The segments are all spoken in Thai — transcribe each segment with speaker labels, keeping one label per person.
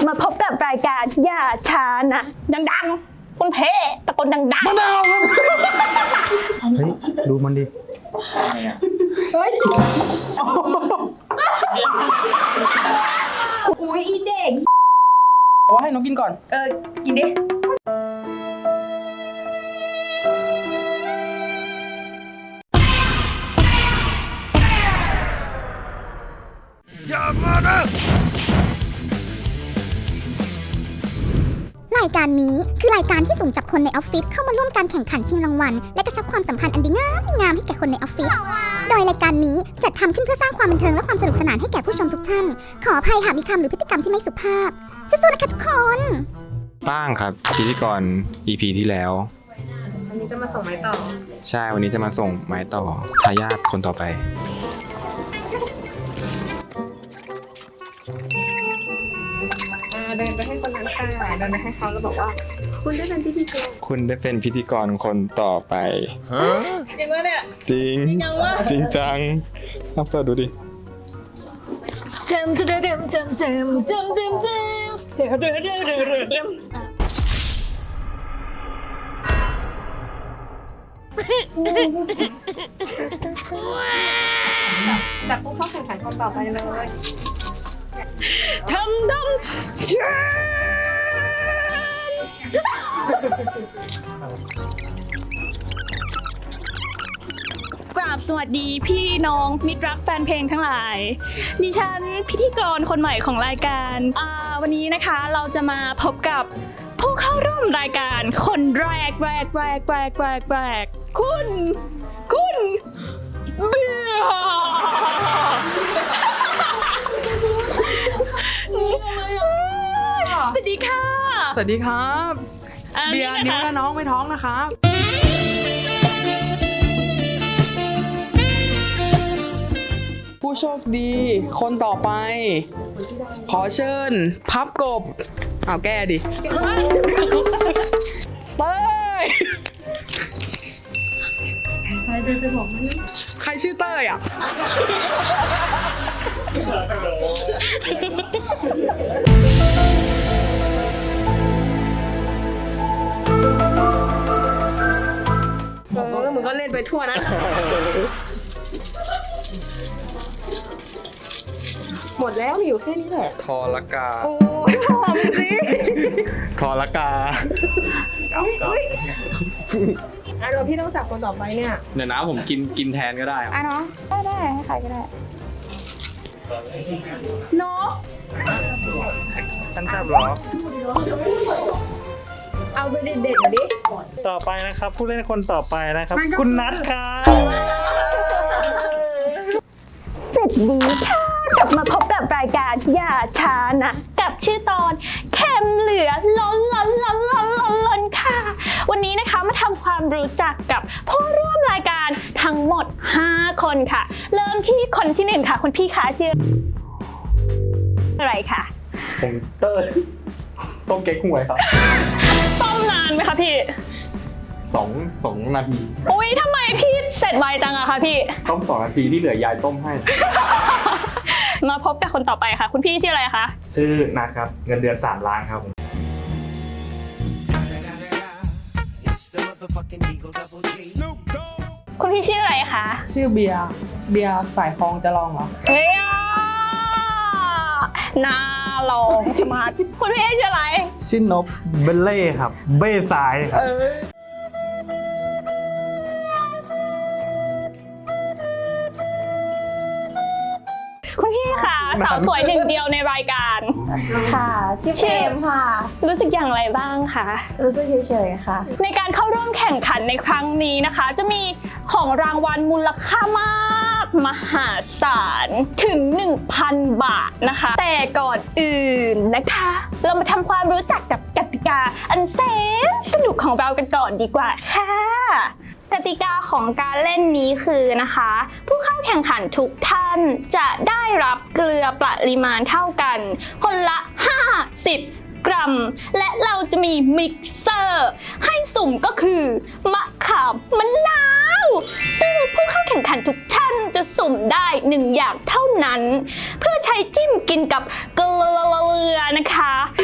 Speaker 1: มาพบกับรายการอย่าช้านะดังๆคุณเพตะโกนดังๆ
Speaker 2: มะนาวครับเฮ้ยดูมันดิ
Speaker 1: เฮ้ย
Speaker 3: อุ้ยอีเด็ก
Speaker 2: ว่าให้น้องกินก่อน
Speaker 3: กินดิ
Speaker 2: อย่ามานะ
Speaker 4: รายการนี้คือรายการที่สุ่มจับคนในออฟฟิศเข้ามาร่วมการแข่งขันชิงรางวัลและกระชับความสัมพันธ์อันดีงามให้แก่คนในออฟฟิศโดยรายการนี้จัดทำขึ้นเพื่อสร้างความบันเทิงและความสนุกสนานให้แก่ผู้ชมทุกท่านขออภัยหากมีคำหรือพฤติกรรมที่ไม่สุภาพสู้ๆนะคะทุกคน
Speaker 5: ป้างครับพิธีกร EP ที่แล้ว
Speaker 3: วันนี้จะมาส่งไม้ต่อ
Speaker 5: ใช่วันนี้จะมาส่งไม้ต่อทายาทคนต่อไป
Speaker 3: เดินไปให้คนนั้นค่ะเดินไปให้เขาแล้วบอกว่าคุณได้เป็นพิธีกร
Speaker 5: คุณได้เป็นพิธีกรคนต่อไป
Speaker 3: จริงวะเนี่ย
Speaker 5: จริงจริงจังเปิดดูดิ
Speaker 3: จับผู้เข้าแข่งขันคนต่อไปเลย
Speaker 1: ทำกราบสวัสดีพี่น้องมิตรรักแฟนเพลงทั้งหลายดิฉันพิธีกรคนใหม่ของรายการวันนี้นะคะเราจะมาพบกับผู้เข้าร่วมรายการคนแรกคุณเบียร์สวัสดีค่ะ
Speaker 2: สวัสดีครับเบียร์นิ้วและน้องไม่ท้องนะครับผู้โชคดีคนต่อไปขอเชิญพับกบเอาแก้ดิเต้ยใครชื่อเต้ยอ่ะ
Speaker 3: มึงก็เล่นไปทั่วนะหมดแล้วมีอยู่แค่นี้แหละ
Speaker 5: ทอละกา
Speaker 3: โอ้ยพอมึงสิ
Speaker 5: ทอละกา
Speaker 3: เดี๋ยวพี่ต้องจับคนต่อไปเนี่ย
Speaker 5: เดี๋ยวนะผมกินแทนก็ได้
Speaker 3: เนาะได้ให้ใครก็ได้เนาะ
Speaker 5: ท่านทราบหรอ
Speaker 3: เอาตัวเด็ดๆมาดิ
Speaker 2: ต่อไปนะครับผู้เล่นคนต่อไปนะครับคุณนัทครับ
Speaker 1: สวัสดีค่ะกลับมาพบกับรายการอย่าช้านะกับชื่อตอนเข็มเหลือล้นค่ะวันนี้นะคะมาทำความรู้จักกับผู้ร่วมรายการทั้งหมด5คนค่ะเริ่มที่คนที่1ค่ะคุณพี่คะชื่ออะไรคะ
Speaker 5: ผมเต้ยต้มเก๊กฮวยครับ
Speaker 1: ต้มนานไหมคะพี่
Speaker 5: 2 นาที
Speaker 1: อุ๊ยทำไมพี่เสร็จไวจังอะคะพี่
Speaker 5: ต้ม2 นาทีที่เหลือยายต้มให้
Speaker 1: มาพบกับคนต่อไปค่ะคุณพี่ชื่ออะไรคะ
Speaker 5: ชื่อนัทครับเงินเดือน3 ล้านครับ
Speaker 1: คุณพี่ชื่ออะไรคะ
Speaker 2: ชื่อเบียร์สายฟองจะลองเหรอ
Speaker 1: เฮ้ยน่าลองใช่ไหมคุณพี่ชื่ออะไร
Speaker 2: ชื่อนบเบลเล่ครับเบ้สายครับ
Speaker 1: คุณพี่ค่ะสาวสวยหนึ่งเดียวในรายการ
Speaker 3: ค่ะชื่อเอมค่ะ
Speaker 1: รู้สึกอย่างไรบ้างคะ
Speaker 3: รู้สึกเฉยๆค่ะ
Speaker 1: ในการเข้าร่วมแข่งขันในครั้งนี้นะคะจะมีของรางวัลมูลค่ามากมหาศาลถึง 1,000 บาทนะคะแต่ก่อนอื่นนะคะเรามาทำความรู้จักกับกติกาอันแสนสนุกของเรากันก่อนดีกว่าค่ะกติกาของการเล่นนี้คือนะคะผู้เข้าแข่งขันทุกท่านจะได้รับเกลือปริมาณเท่ากันคนละ50 กรัมและเราจะมีมิกเซอร์ให้สุ่มก็คือมะขามมะนาวซึ่งผู้เข้าแข่งขันทุกท่านจะสุ่มได้1 อย่างเท่านั้นเพื่อใช้จิ้มกินกับเกลือนะคะ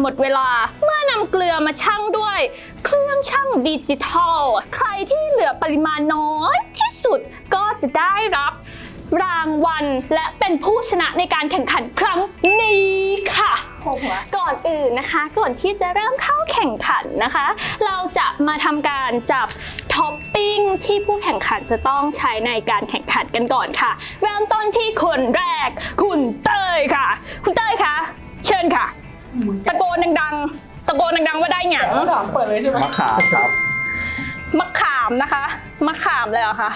Speaker 1: มดเวลาเมื่อนำเกลือมาชั่งด้วยเครื่องชั่งดิจิทัลใครที่เหลือปริมาณน้อยที่สุดก็จะได้รับรางวัลและเป็นผู้ชนะในการแข่งขันครั้งนี้ค่ะก่อนอื่นนะคะก่อนที่จะเริ่มเข้าแข่งขันนะคะ เราจะมาทำการจับท็อปปิ้งที่ผู้แข่งขันจะต้องใช้ในการแข่งขันกันก่อนค่ะเริ่มต้นที่คนแรกคุณเต้ยค่ะคุณเต้ยคะเชิญค่ะตะโกนดังๆตะโกนดังๆว่าได้หยัง
Speaker 2: ถามเปิดเลยใช่ไหม
Speaker 5: มะขามครับ
Speaker 1: มะขามนะคะมะขามเลยเหรอคะ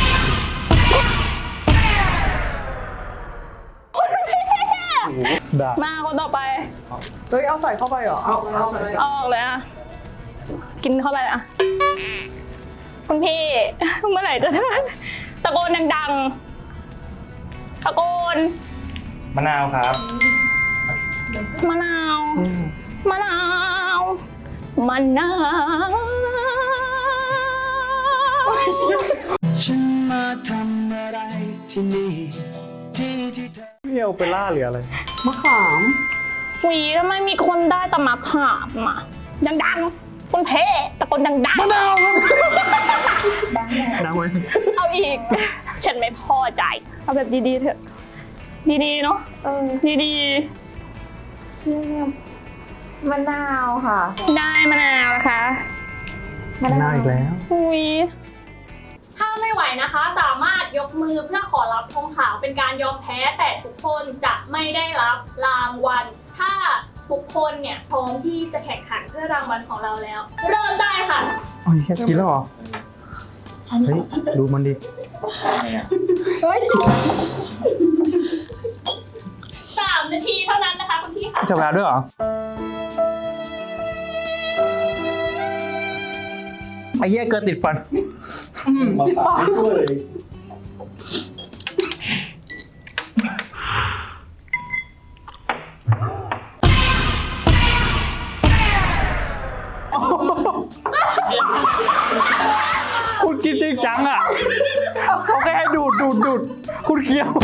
Speaker 1: มาคนต่อไป
Speaker 2: เฮ้ยเอาใส่เข้าไปเหรอเอา
Speaker 1: เอาออกเลยอะกินเข้าไปอะคุณพี่ เมื่อไหร่จะตะโกนดังๆตะโกน
Speaker 6: มะนาวครับ
Speaker 1: มะนาวมะนาวมะนาว
Speaker 7: ฉันมาทำอะไรที่นี่ที่เธอ
Speaker 6: นี่โอเปร่าหรืออะไร
Speaker 2: มะขาม
Speaker 1: หวีทำไมมีคนได้แต่มะขามอะดังๆคุณเพตะโกนดังๆ
Speaker 6: น้ำไหม
Speaker 1: เอาอีก ฉันไม่พอใจ เอาแบบดีๆเถอะ ดีๆเนาะดี
Speaker 3: มะนาวค่ะ
Speaker 1: ๆได้มะนาวนะคะ
Speaker 6: มะนาวอีกแล้ว
Speaker 1: อุ้ยถ้าไม่ไหวนะคะ สามารถยกมือเพื่อขอรับธงขาวเป็นการยอมแพ้แต่ทุกคนจะไม่ได้รับรางวัล ถ้าทุกคนเนี่ยพร้อมที่จะแข่งขันเพื่อรางวัลของเราแล้ว เริ่มได้ค่ะ
Speaker 6: อ๋อกินแล้วเหรอ เฮ้ย ดูมันดิ
Speaker 1: 3 นาทีเท่านั้นนะคะคุณพี่ค่ะ
Speaker 6: จับเวลาด้วยเหรอ ไอ้เหี้ยเกินติดฟัน
Speaker 2: ติดปาก
Speaker 6: คุณกินจริงจังอ่ะ เขาแค่ให้ดูด คุณเคี้ยว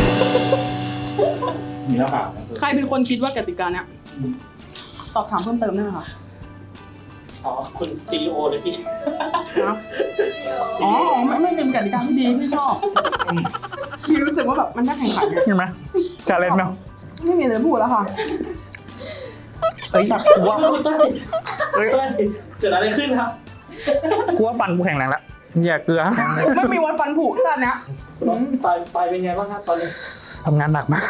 Speaker 2: ใครเป็นคนคิดว่ากติกาเนี้ยสอบถามเพิ่มเติมได้ไหมคะ
Speaker 8: อ๋อคุณซีโอเลยพี่
Speaker 2: นะอ๋อไม่เป็นกติกาที่ดีพี่ชอบพี่รู้สึกว่าแบบมันน่าแข่งขันไง
Speaker 6: เห็นไหมจะเล่นเนาะ
Speaker 2: ไม่มีอะไรพูดแล้วค่ะ
Speaker 6: เฮ้ยกูว่า
Speaker 8: เฮ้ยเกิดอะไรขึ้นครับ
Speaker 6: กูว่าฟันกูแข็งแรงแล้วอย่าเกลือ
Speaker 2: ไม่มีวันฟันผุตอนเนี้ย
Speaker 8: ตายเป็นไงบ้างครับตอนนี้
Speaker 6: ทำงานหนักมาก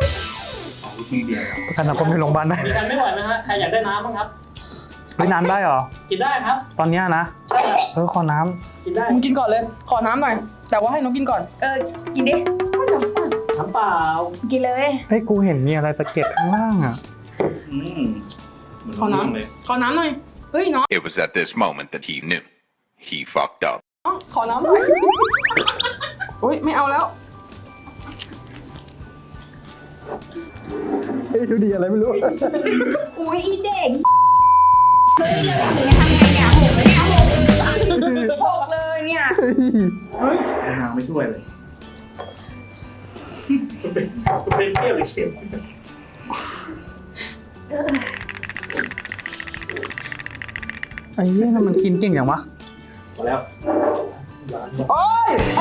Speaker 6: ประกันสังคมในโรงพยาบาลได้
Speaker 8: มีกันไม่ไหวนะฮะ ใครอยากได้น้ำบ้างครับ
Speaker 6: ไม่น้ำได้เหรอ
Speaker 8: กินได้ครับ
Speaker 6: ตอนเนี้ยนะ
Speaker 8: ใช่ครับ
Speaker 6: ขอน้
Speaker 8: กินได้
Speaker 2: มึงกินก่อนเลย ขอน้ำหน่อย แต่ว่าให้น้องกินก่อน
Speaker 3: กินดิ
Speaker 8: น้ำเปล่า
Speaker 3: กินเลย
Speaker 6: ำเฮ้ย กูเห็นมีอะไรตะเกียบข้างล่างอ่ะ
Speaker 2: ขอน้ำขอน้ำหน่อย เฮ้ยน้อง
Speaker 9: It was at this moment that he knew. He fucked up.
Speaker 2: ขอน้ำหน่อยอุ้ยไม่เอาแล้ว
Speaker 6: เฮ้ย ดูดีอะไรไม่รู้
Speaker 3: อุ้ยอีเด็กเฮ้ยเลยอย่างนี้ทำไงเนี่ยหกเลยเนี่ยหกเลยเนี่ย
Speaker 8: น้ำไม่ช่วยเลยคุณเป็นเปรี้ยวหรือเค็ม
Speaker 6: ไอ้เหี้ยมันกินเก่งอย่างวะ
Speaker 8: พอแล้ว
Speaker 2: โอ้ยไอ้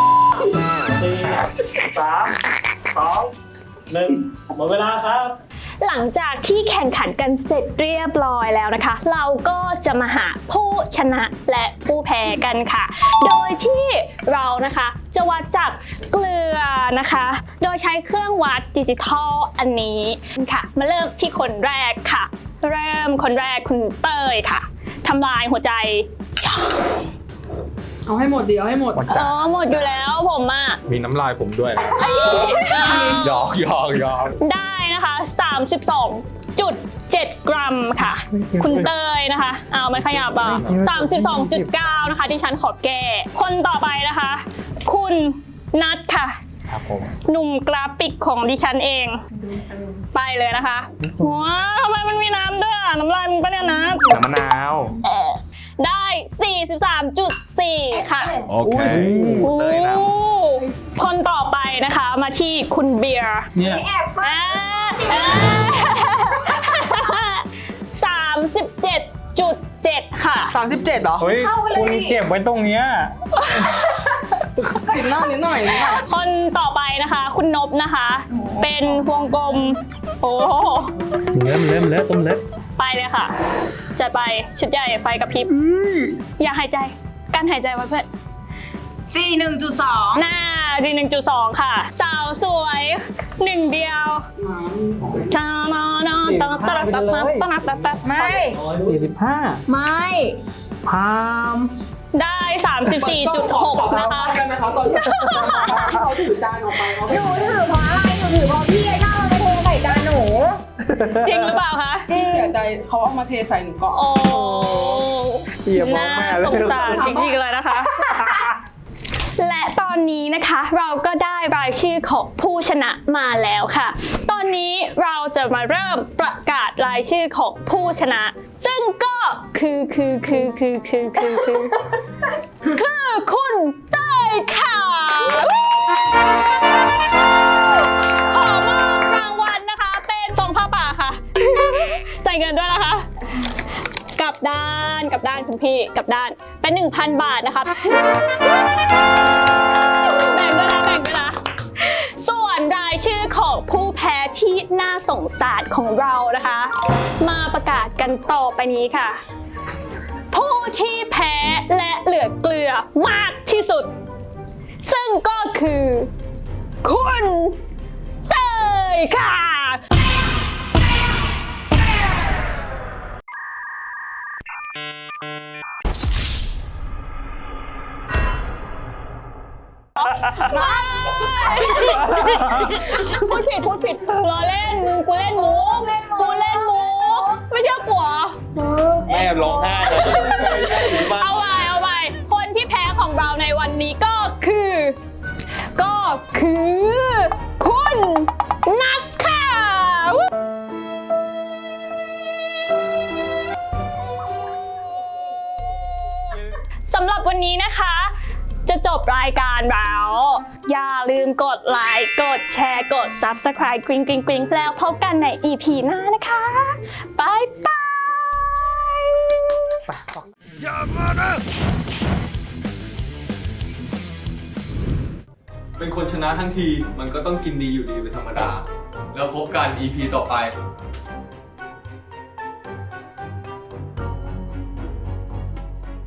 Speaker 8: 4 3 2 1หมดเวลาครับ
Speaker 1: หลังจากที่แข่งขันกันเสร็จเรียบร้อยแล้วนะคะ เราก็จะมาหาผู้ชนะและผู้แพ้กันค่ะ โดยที่เรานะคะจะวัดจากเกลือนะคะ โดยใช้เครื่องวัดดิจิทัลอันนี้ค่ะ มาเริ่มที่คนแรกค่ะ เริ่มคนแรกคุณเต้ยค่ะทำลายหัวใจ
Speaker 2: เอาให้หมดดิเอาให้หมด
Speaker 1: หมดอยู่แล้วผมอ่ะ
Speaker 5: มีน้ำลายผมด้วยนะหยอก
Speaker 1: ได้นะคะ 32.7 กรัมค่ะ คุณเตยนะคะ เอามันขยับอ่ะ 32.9 นะคะที่ฉันขอแก้ คนต่อไปนะคะ คุณนัทค่ะ
Speaker 5: ครับผม
Speaker 1: หนุ่มกราฟิกของดิฉันเอง ไปเลยนะคะว้าวทำไมมันมีน้ำด้วยอ่ะ น้ำลายมึงปะเนี่ยนะ
Speaker 6: น้ำมะนาว
Speaker 1: ได้ 43.4 ค่ะ
Speaker 5: Okay.
Speaker 1: โอ้คนต่อไปนะคะมาที่คุณเบียร์
Speaker 6: เนี่ย
Speaker 1: อ่า
Speaker 2: 37เหรอ
Speaker 6: เฮ้ย คุณเก็บไว้ตรงเนี้ย
Speaker 2: นิดหน่อยนิดหน่อย
Speaker 1: คนต่อไปนะคะ คุณนบนะคะ เป็นวงกลม โอ้โห
Speaker 6: เริ่มต้มเล็บ
Speaker 1: ไปเลยค่ะ จะไปชุดใหญ่ไฟกระพริบ อย่าหายใจกั้นหายใจไว้เพื่อน
Speaker 3: 41.2
Speaker 1: หน้าดี1.2 ค่ะ สาวสวยหนึ่งเดียวตานานาตาตาตาตาตาตาตา
Speaker 3: ไม่
Speaker 6: 45
Speaker 3: ไม่
Speaker 6: พาม
Speaker 1: ได้ 34.6 นะคะ
Speaker 2: เขาตอนเขาถือจานออกไปเขา
Speaker 3: หนูถือเพราะอะไรหนูถือเพราะพี่ไอ้ก้าวมาเทใส่จานหนู
Speaker 1: จริงหรือเปล่าคะ
Speaker 3: จริง
Speaker 2: เสียใจเขาเอามาเทใส่หนูก่อน
Speaker 1: โอ้
Speaker 6: เหี้ยฟ้อง
Speaker 1: น่า
Speaker 6: แม่เลย
Speaker 1: สงสารจริงๆเลยนะคะ และตอนนี้นะคะเราก็ได้รายชื่อของผู้ชนะมาแล้วค่ะ ตอนนี้เราจะมาเริ่มประกาศรายชื่อของผู้ชนะ ซึ่งก็คือคุณเต้ยค่ะ ขอมอบรางวัลนะคะเป็นซองผ้าป่าค่ะ ใส่เงินด้วยนะคะ กลับด้านคุณพี่กลับด้านเป็น 1,000 บาทนะคะแบ่งด้วยนะ ส่วนรายชื่อของผู้แพ้ที่น่าสงสารของเรานะคะ มาประกาศกันต่อไปนี้ค่ะ ผู้ที่แพ้และเหลือเกลือมากที่สุด ซึ่งก็คือคุณเต้ยค่ะ พูดผิดล้อเล่นมึงกูเล่นมุกไม่เชื่อกูเหรอ
Speaker 6: แม่ร้องไห้
Speaker 1: เอาไปคนที่แพ้ของเราในวันนี้ก็คือคุณนัทค่ะสำหรับวันนี้นะคะ จะจบรายการแล้ว อย่าลืมกดไลค์กดแชร์กด Subscribe กริ๊งแล้วพบกันใน EP หน้านะคะบายบาย
Speaker 10: เป็นคนชนะทั้งทีมันก็ต้องกินดีอยู่ดีเป็นธรรมดา แล้วพบกัน EP ต่อไป